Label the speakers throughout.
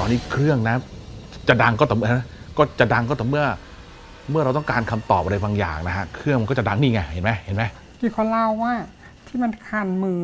Speaker 1: อนนี้เครื่องนะจะดังก็ต่อเมื่อเราต้องการคำตอบอะไรบางอย่างนะฮะเครื่องมันก็จะดังนี่ไงเห็นไหม
Speaker 2: ที่เขาเล่าว่าที่มันคันมือ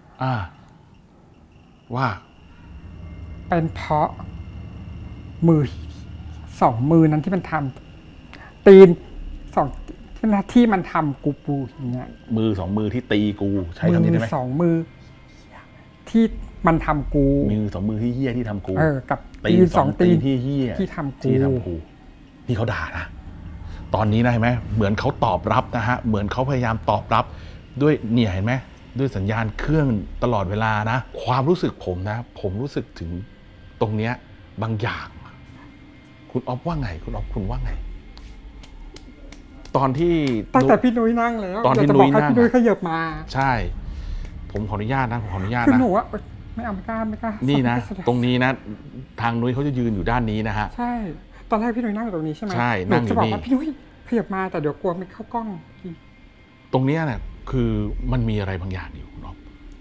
Speaker 1: ว่า
Speaker 2: เป็นเพราะมือ2 มือนั้นที่มันทำตีน2ที่มันทำกูปูอย่างเงี้ย
Speaker 1: มือ2 มือที่ตีกูใช้คำนี้ได้ไหม
Speaker 2: 2 มือที่มันทำกู
Speaker 1: มือ2 มือที่เหี้ยที่ทำกู
Speaker 2: กับ
Speaker 1: ตีน2 ตีนที่เหี้ย
Speaker 2: ที่ทำกู
Speaker 1: นี่เขาด่านะตอนนี้นะเห็นไหมเหมือนเขาตอบรับนะฮะเหมือนเขาพยายามตอบรับด้วยเนี่ยเห็นไหมด้วยสัญญาณเครื่องตลอดเวลานะความรู้สึกผมนะผมรู้สึกถึงตรงเนี้ยบางอย่างคุณอ๊อฟว่าไงคุณอ๊อฟคุณว่าไงตอนที่
Speaker 2: ตั้งแต่พี่นุ้ยนั่งแล้ว
Speaker 1: ตอนที่นุ้ยนั่ง
Speaker 2: พี่นุ้ยขยับมา
Speaker 1: ใช่ผมขออนุญาตนะ
Speaker 2: คือหนูว่าไม่กล้า
Speaker 1: นี่นะตรงนี้นะทางนุ้ยเขาจะยืนอยู่ด้านนี้นะฮะ
Speaker 2: ใช่ตอนแรกพี่นุ้ยนั่งอยู่ตรงนี้ใช่ไหม
Speaker 1: ใช่นั่งอยู่นี่
Speaker 2: จะบอกว่าพี่นุ้ยขยับมาแต่เดี๋ยวกลัวไม่เข้ากล้อง
Speaker 1: ตรงนี้เนี่ยคือมันมีอะไรบางอย่างอยู่คุณอ๊อฟ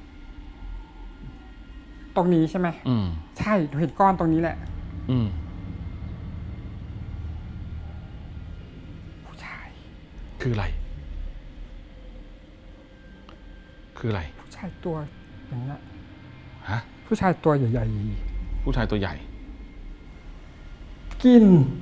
Speaker 2: ตรงนี้ใช่ไหมใช่เห็นก้อนตรงนี้แหละผู้ชาย
Speaker 1: คืออะไร
Speaker 2: ผู้ชายตัวอย่างนี้
Speaker 1: ฮะ
Speaker 2: ผู้ชายตัวใหญ่
Speaker 1: ๆผู้ชายตัวใหญ่
Speaker 2: กิน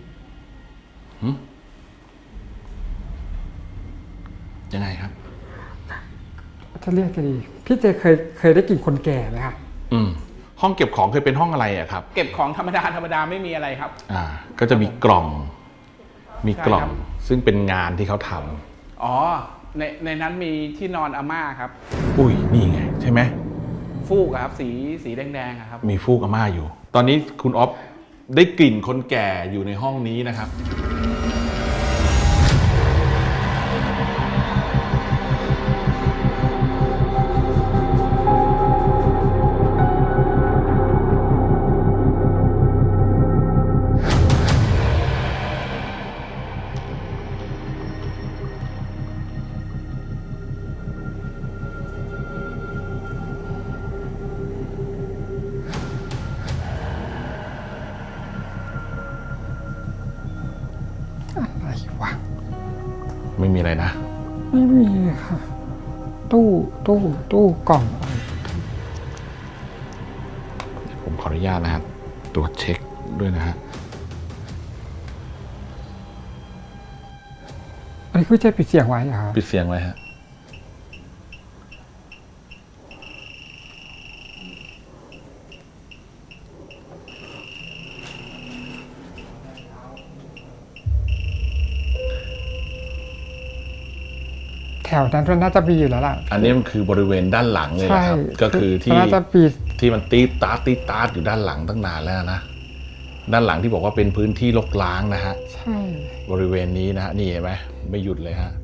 Speaker 1: ยังไงครับ
Speaker 2: จะเรียกกันดีพี่เจเคยได้กลิ่นคนแก่ไหมคะ
Speaker 1: ห้องเก็บของเคยเป็นห้องอะไรอะครับ
Speaker 3: เก็บของธรรมดาไม่มีอะไรครับ
Speaker 1: ก็จะมีกล่องซึ่งเป็นงานที่เขาท
Speaker 3: ำอ๋อในนั้นมีที่นอนอาม่าครับ
Speaker 1: อุ้ยนี่ไงใช่ไหม
Speaker 3: ฟูกครับสีแดงๆครับ
Speaker 1: มีฟูกอาม่าอยู่ตอนนี้คุณอ๊อฟได้กลิ่นคนแก่อยู่ในห้องนี้นะครับไม่มีอะไรนะ
Speaker 2: ไม่มีค่ะตู้กล่อง
Speaker 1: ผมขออนุญาตนะครับตรวจเช็คด้วยนะฮะ
Speaker 2: อันนี้คือจะปิดเสียงไว้เหรอครับ
Speaker 1: ปิดเสียงไว้ฮะ
Speaker 2: แถวนั้นน่าจะมีอยู่แล้วล่ะ
Speaker 1: อันนี้มันคือบริเวณด้านหลังเลยนะครับก็คือที่มันตีตาร์อยู่ด้านหลังตั้งนานแล้วนะด้านหลังที่บอกว่าเป็นพื้นที่รกร้างนะฮะ
Speaker 2: ใช่
Speaker 1: บริเวณนี้นะฮะนี่เห็นไหมไม่หยุดเลยฮะ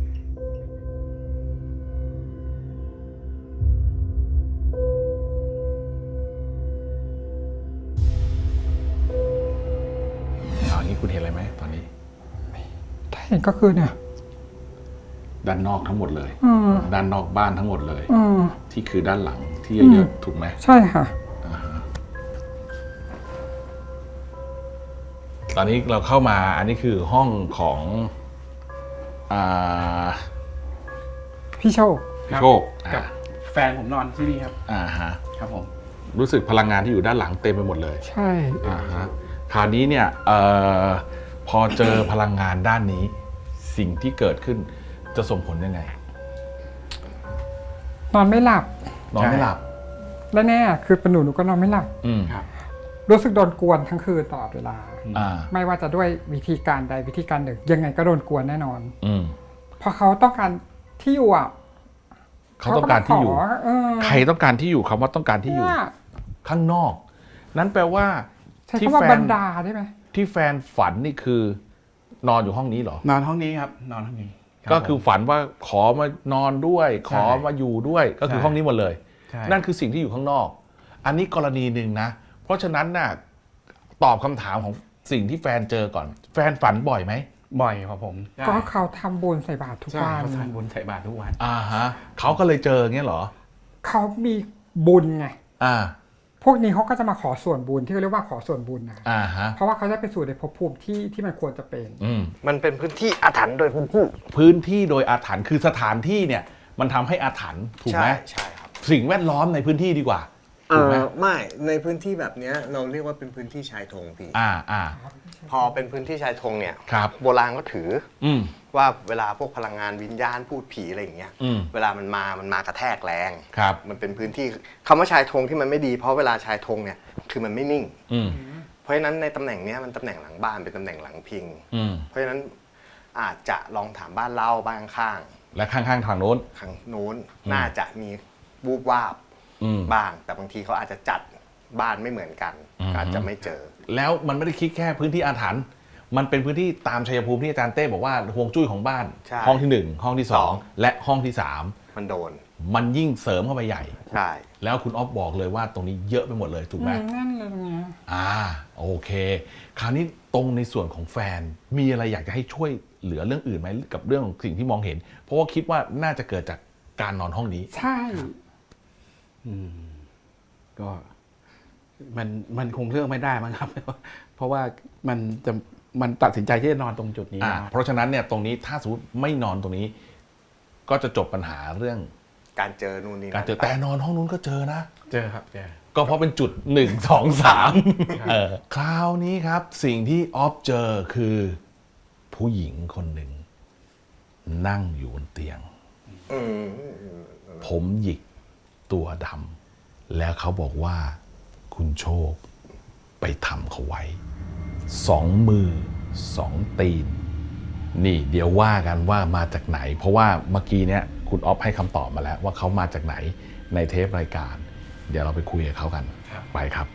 Speaker 1: อย่างนี้คุณเห็นอะไรไหมตอนนี้
Speaker 2: ถ้าเห็นก็คือเนี่ย
Speaker 1: ด้านนอกทั้งหมดเลยด้านนอกบ้านทั้งหมดเลยที่คือด้านหลังที่เยอะๆถูกไหม
Speaker 2: ใช่ค่ะ
Speaker 1: ตอนนี้เราเข้ามาอันนี้คือห้องของ
Speaker 2: พี่โชค
Speaker 3: กับแฟนผมนอนที่นี่ครับครับผม
Speaker 1: รู้สึกพลังงานที่อยู่ด้านหลังเต็มไปหมดเลย
Speaker 2: ใช่
Speaker 1: คราวนี้เนี่ยพอเจอพลังงานด้านนี้สิ่งที่เกิดขึ้นจะส่งผลยังไง
Speaker 2: นอนไม่หลับและแน่คือเป็นหนูก็นอนไม่หลับรู้สึกโดนกวนทั้งคืนตลอดเวลาไม่ว่าจะด้วยวิธีการใดวิธีการหนึ่งยังไงก็โดนกวนแน่นอนเพราะเขาต้องการที่อยู่
Speaker 1: เขาต้องการที่อยู่ใครต้องการที่อยู่คำว่าต้องการที่อยู่ข้างนอกนั้นแปลว่า
Speaker 2: ที่แฟนบันดาได้ไหม
Speaker 1: ที่แฟนฝันนี่คือนอนอยู่ห้องนี้เหรอน
Speaker 3: อนห้องนี้ครับนอนห้องนี้
Speaker 1: ก็คือฝันว่าขอมานอนด้วยขอมาอยู่ด้วยก็คือห้องนี้หมดเลยนั่นคือสิ่งที่อยู่ข้างนอกอันนี้กรณีหนึ่งนะเพราะฉะนั้นน่ะตอบคำถามของสิ่งที่แฟนเจอก่อนแฟนฝันบ่อยไหม
Speaker 3: บ่อยครับผม
Speaker 2: ก็เขาทำบุญใส่บาตรทุกวัน
Speaker 3: เขาทำบุญใส่บาตรทุกวัน
Speaker 1: เขาก็เลยเจอเงี้ยเหรอ
Speaker 2: เขามีบุญไง
Speaker 1: พ
Speaker 2: พวกนี้เขาก็จะมาขอส่วนบุญที่เขาเรียกว่าขอส่วนบุญนะเพราะว่าเขาจะไปสู่ในภพภูมิที่มันควรจะเป็น
Speaker 4: มันเป็นพื้นที่อาถรรพ์โดยพื้นที่
Speaker 1: โดยอาถรรพ์คือสถานที่เนี่ยมันทำให้อาถรรพ์ถูกไหม
Speaker 4: ใช่ครับ
Speaker 1: สิ่งแวดล้อมในพื้นที่ดีกว่าถูกไหม
Speaker 4: ไม่ในพื้นที่แบบนี้เราเรียกว่าเป็นพื้นที่ชายธงพี่พอเป็นพื้นที่ชายธงเนี่ยโบราณก็ถือว่าเวลาพวกพลังงานวิญญาณพูดผีอะไรอย่างเงี้ยเวลามันมากระแทกแรงมันเป็นพื้นที่คำว่าชายธงที่มันไม่ดีเพราะเวลาชายธงเนี่ยคือมันไม่นิ่งเพราะฉะนั้นในตำแหน่งนี้มันตำแหน่งหลังบ้านเป็นตำแหน่งหลังพิงเพราะฉะนั้นอาจจะลองถามบ้านเล่าบ้านข้าง
Speaker 1: และข้างๆทางโน้น
Speaker 4: น่าจะมีวูบวาบบ้างแต่บางทีเขาอาจจะจัดบ้านไม่เหมือนกันอาจจะไม่เจอ
Speaker 1: แล้วมันไม่ได้คิดแค่พื้นที่อาถรรพ์มันเป็นพื้นที่ตามชัยภูมิที่อาจารย์เต้บอกว่าฮวงจุ้ยของบ้านห้องที่1ห้องที่2และห้องที่3
Speaker 4: มันโดน
Speaker 1: มันยิ่งเสริมเข้าไปใหญ่
Speaker 4: ใช่
Speaker 1: แล้วคุณอ๊อฟบอกเลยว่าตรงนี้เยอะไปหมดเลยถูกไหม
Speaker 2: นั่นเลยไง
Speaker 1: โอเคคราวนี้ตรงในส่วนของแฟนมีอะไรอยากจะให้ช่วยเหลือเรื่องอื่นไหมกับเรื่องของสิ่งที่มองเห็นเพราะว่าคิดว่าน่าจะเกิดจากการนอนห้องนี้
Speaker 2: ใช่
Speaker 3: ก็มันคงเลือกไม่ได้มั้งครับเพราะว่ามันตัดสินใจที่จะนอนตรงจุดนี้
Speaker 1: เพราะฉะนั้นเนี่ยตรงนี้ถ้าสมมติไม่นอนตรงนี้ก็จะจบปัญหาเรื่อง
Speaker 4: การเจอนู่นนี่
Speaker 1: การเจอแต่นอนห้องนู้นก็เจอนะ
Speaker 3: เจอครับเจอ
Speaker 1: ก็เพราะเป็นจุด1 2 3คราวนี้ครับสิ่งที่ออฟเจอคือผู้หญิงคนหนึ่งนั่งอยู่บนเตียงผมหยิกตัวดำแล้วเขาบอกว่าคุณโชคไปทำเขาไว้2 มือ 2 ตีนนี่เดี๋ยวว่ากันว่ามาจากไหนเพราะว่าเมื่อกี้เนี้ยคุณอ๊อฟให้คำตอบมาแล้วว่าเขามาจากไหนในเทปรายการเดี๋ยวเราไปคุยกับเขากันไปครับ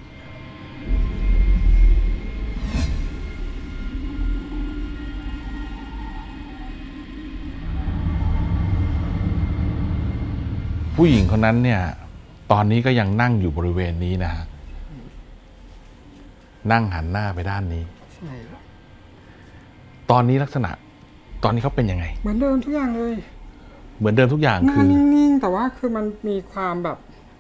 Speaker 1: ผู้หญิงคนนั้นเนี่ยตอนนี้ก็ยังนั่งอยู่บริเวณนี้นะฮะนั่งหันหน้าไปด้านนี้
Speaker 2: ใช่
Speaker 1: ตอนนี้ลักษณะตอนนี้เขาเป็นยังไง
Speaker 2: เหมือนเดิมทุกอย่างเลย
Speaker 1: เหมือนเดิมทุกอย่างคือ
Speaker 2: นิ่งๆแต่ว่าคือมันมีความแบบ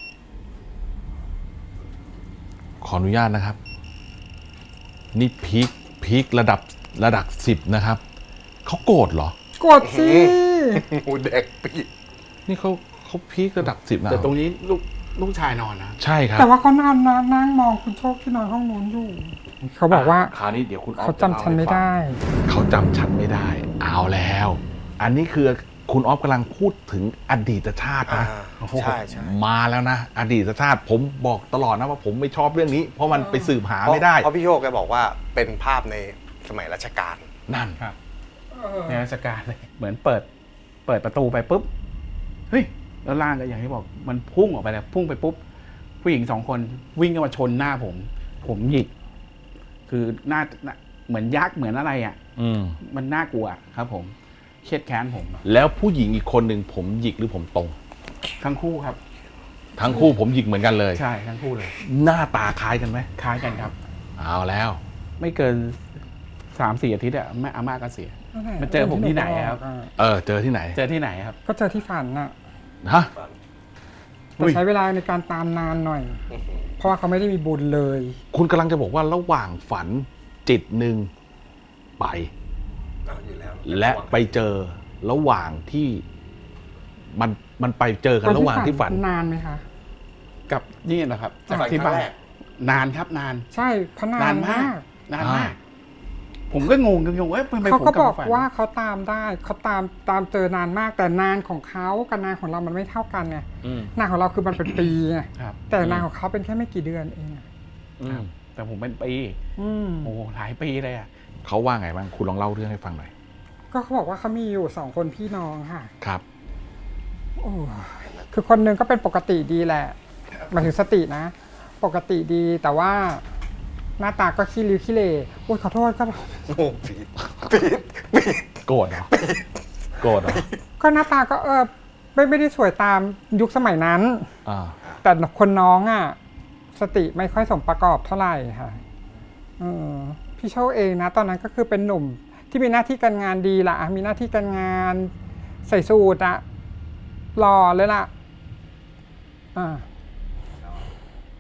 Speaker 1: ขออนุญาตนะครับนี่พีคระดับ10นะครับเขาโกรธเหรอ
Speaker 2: โกรธสิ
Speaker 4: หมูเด็กปี
Speaker 1: นี่เขาพีคระดับ10นะ
Speaker 3: แต่ตรงนี้ลูกชายนอนนะ
Speaker 1: ใช่ครับ
Speaker 2: แต่ว่าเขานั่งมองคุณโชคที่นอนห้องนู้นอยู่เขาบอกว่า
Speaker 1: คราวนี้เดี๋ยวคุณ
Speaker 2: เขาจำฉันไม่ได้
Speaker 1: เขาจำฉันไม่ได้เอาแล้วอันนี้คือคุณอ๊อฟกำลังพูดถึงอดีตชาตินะ
Speaker 4: ใช่
Speaker 1: มาแล้วนะอดีตชาติผมบอกตลอดนะว่าผมไม่ชอบเรื่องนี้เพราะมันไปสืบหาไม่ได้
Speaker 4: เพราะพี่โชคแกบอกว่าเป็นภาพในสมัยรัชกาล
Speaker 1: นั่น
Speaker 3: ครับในรัชกาลเลยเหมือนเปิดประตูไปปุ๊บเฮ้ยแล้วล่างก็อย่างที่บอกมันพุ่งออกไปแล้วพุ่งไปปุ๊บผู้หญิง2 คนวิ่งเข้ามาชนหน้าผมหยิกคือหน้าเหมือนยักษ์เหมือนอะไรมันน่ากลัวครับผมเครียดแค้นผม
Speaker 1: แล้วผู้หญิงอีกคนหนึ่งผมหยิกหรือผมตรง
Speaker 3: ทั้งคู่ครับ
Speaker 1: ทั้งคู่ผมหยิกเหมือนกันเลย
Speaker 3: ใช่ทั้งคู่เลย
Speaker 1: หน้าตาคล้ายกันไหม
Speaker 3: คล้ายกันครับ
Speaker 1: เอาแล้ว
Speaker 3: ไม่เกิน 3-4 อาทิตย์แม่อาม่าก็เสียมาเจอผมที่ไหนครับ
Speaker 1: เจอที่ไหน
Speaker 3: ครับ
Speaker 2: ก็เจอที่ฝันน่ะ
Speaker 1: ฮะ
Speaker 2: แต่ใช้เวลาในการตามนานหน่อยเพราะว่าเขาไม่ได้มีบุญเลย
Speaker 1: คุณกำลังจะบอกว่าระหว่างฝันจิตหนึ่งไปและไปเจอระหว่างที่มันไปเจอกันระหว่างที่ฝัน
Speaker 2: นานไหมคะ
Speaker 3: กับนี่นะครับจากที่บ้านนานครับนาน
Speaker 2: ใช่เพราะนานมาก
Speaker 3: ผมก็งงว่า
Speaker 2: เขาก็บอกว่าเขาตามได้เขาตามเจอนานมากแต่นานของเขากับนานของเรามันไม่เท่ากันไงนานของเราคือมันเป็นปีไงแต่นานของเขาเป็นแค่ไม่กี่เดือนเอง
Speaker 3: แต่ผมเป็นปีโอ้หลายปีเลย
Speaker 1: เขาว่าไงบ้างคุณลองเล่าเรื่องให้ฟังหน่อย
Speaker 2: ก็เขาบอกว่าเขามีอยู่2 คนพี่น้องค่ะ
Speaker 1: ครับ
Speaker 2: โอ้คือคนหนึ่งก็เป็นปกติดีแหละหมายถึงสตินะปกติดีแต่ว่าหน้าตาก็ขี้ริ้วขี้เหร่โอ้ยขอโทษก็
Speaker 4: ปีด
Speaker 1: โกรธเหรอ
Speaker 2: ก็หน้าตาก็ไม่ได้สวยตามยุคสมัยนั้นแต่คนน้องสติไม่ค่อยสมประกอบเท่าไหร่ค่ะพี่โชคเองนะตอนนั้นก็คือเป็นหนุ่มที่มีหน้าที่การงานดีล่ะมีหน้าที่การงานใส่สูทหล่อเลยล่ะ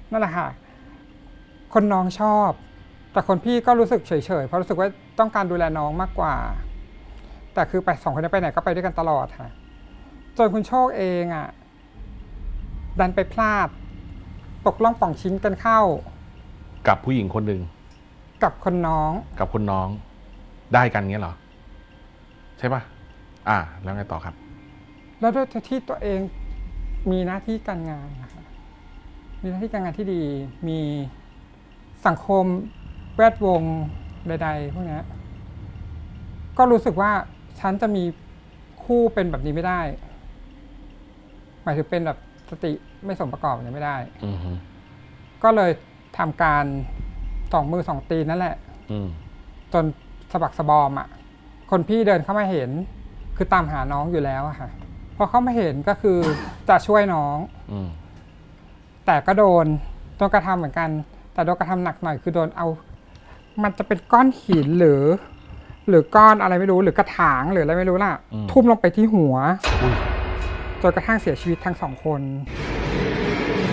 Speaker 2: นั่นแหละค่ะคนน้องชอบแต่คนพี่ก็รู้สึกเฉยๆเพราะรู้สึกว่าต้องการดูแลน้องมากกว่าแต่คือไป2 คนนี้ไปไหนก็ไปด้วยกันตลอดค่ะจนคุณโชคเองอ่ะดันไปพลาดตกล่องป่องชิ้นกันเข้า
Speaker 1: กับผู้หญิงคนหนึ่ง
Speaker 2: กับคนน้อง
Speaker 1: ได้กันเงี้ยเหรอใช่ปะแล้วไงต่อครับ
Speaker 2: แล้วด้วยที่ตัวเองมีหน้าที่การงานนะคะมีหน้าที่การงานที่ดีมีสังคมแวดวงใดๆพวกนี้ก็รู้สึกว่าฉันจะมีคู่เป็นแบบนี้ไม่ได้หมายถึงเป็นแบบสติไม่สมประกอบอย่างนี้ไม่ได้ก็เลยทำการ2 มือ 2 ตีนนั่นแหละจนสะบักสะบอมอ่ะคนพี่เดินเข้ามาเห็นคือตามหาน้องอยู่แล้วอะค่ะพอเข้ามาเห็นก็คือจะช่วยน้องแต่ก็โดนกระทำเหมือนกันแต่โดนกระทำหนักหน่อยคือโดนเอามันจะเป็นก้อนหินหรือก้อนอะไรไม่รู้หรือกระถางหรืออะไรไม่รู้ล่ะทุ่มลงไปที่หัวจนกระทั่งเสียชีวิตทั้ง2 คน